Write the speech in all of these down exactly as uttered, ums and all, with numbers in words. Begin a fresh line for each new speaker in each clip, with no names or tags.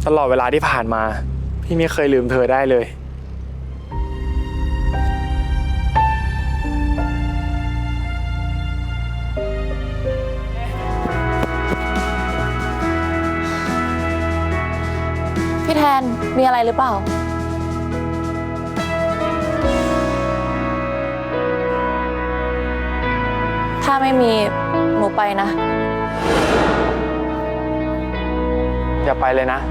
ตลอดเวลาที่ผ่านมาพี่ไม่เคยลืมเธอได้เลย
พี่แทนมีอะไรหรือเปล่าถ้าไม่มีหนูไปนะ
อย่าไปเลยนะ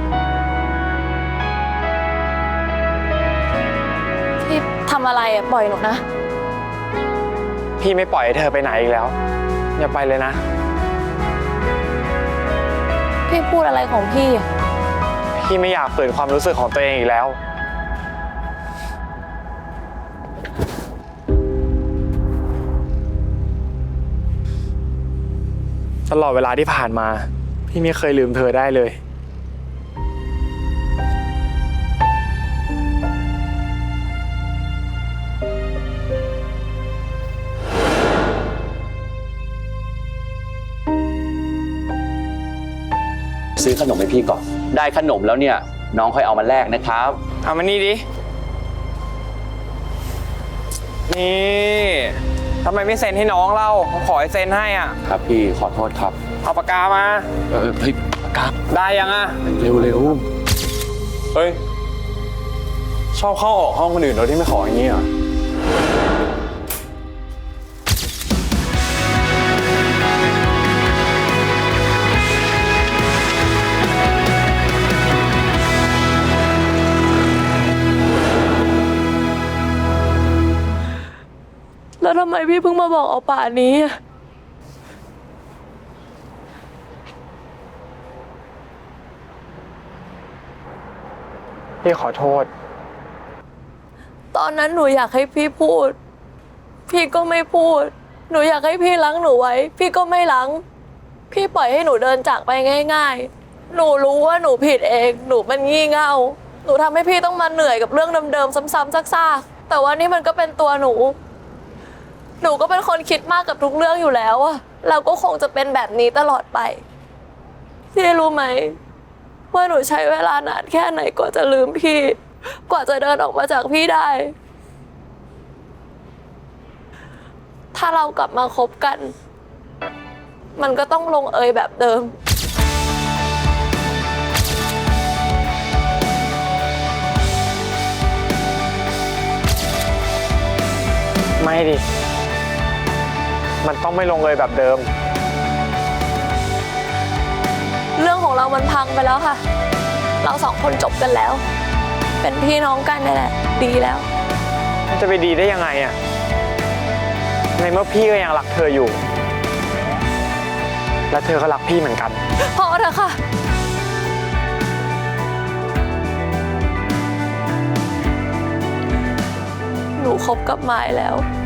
พี่ทำอะไรอ่ะปล่อยหนูนะ
พี่ไม่ปล่อยให้เธอไปไหนอีกแล้วอย่าไปเลยนะ
พี่พูดอะไรของพี่อ่ะ
พี่ไม่อยากฝืนความรู้สึกของตัวเองอีกแล้วตลอดเวลาที่ผ่านมาพี่ไม่เคยลืมเธอได้เลย
ซื้อขนมให้พี่ก่อนได้ขนมแล้วเนี่ยน้องค่อยเอามาแลกนะครับ
เอามานี่ดินี่ทำไมไม่เซ็นให้น้องเล่าผมขอให้เซ็นให้อ่ะ
ครับพี่ขอโทษครับ
เอาปากกามา
เออเฮ้ยปากกา
ได้ยังอ่ะ
เร็วเร็ว
เฮ้ยชอบเข้าออกห้องคนอื่นโดยที่ไม่ขออย่างนี้เหรอ
แล้วทำไมพี่เพิ่งมาบอกเอาป่านนี้
พี่ขอโทษ
ตอนนั้นหนูอยากให้พี่พูดพี่ก็ไม่พูดหนูอยากให้พี่ล้างหนูไว้พี่ก็ไม่ล้างพี่ปล่อยให้หนูเดินจากไปง่ายๆหนูรู้ว่าหนูผิดเองหนูมันงี่เง่าหนูทำให้พี่ต้องมาเหนื่อยกับเรื่องเดิมๆซ้ำๆซากๆแต่ว่านี่มันก็เป็นตัวหนูหนูก็เป็นคนคิดมากกับทุกเรื่องอยู่แล้วอะเราก็คงจะเป็นแบบนี้ตลอดไปพี่รู้ไหมว่าหนูใช้เวลานานแค่ไหนกว่าจะลืมพี่กว่าจะเดินออกมาจากพี่ได้ถ้าเรากลับมาคบกันมันก็ต้องลงเอยแบบเดิม
ไม่ดิมันต้องไม่ลงเลยแบบเดิม
เรื่องของเรามันพังไปแล้วค่ะเราสองคนจบกันแล้วเป็นพี่น้องกันนี่แหละดีแล้ว
มันจะไปดีได้ยังไงอะในเมื่อพี่ก็ยังรักเธออยู่และเธอก็รักพี่เหมือนกัน
พอเถอะค่ะหนูคบกับไม้แล้ว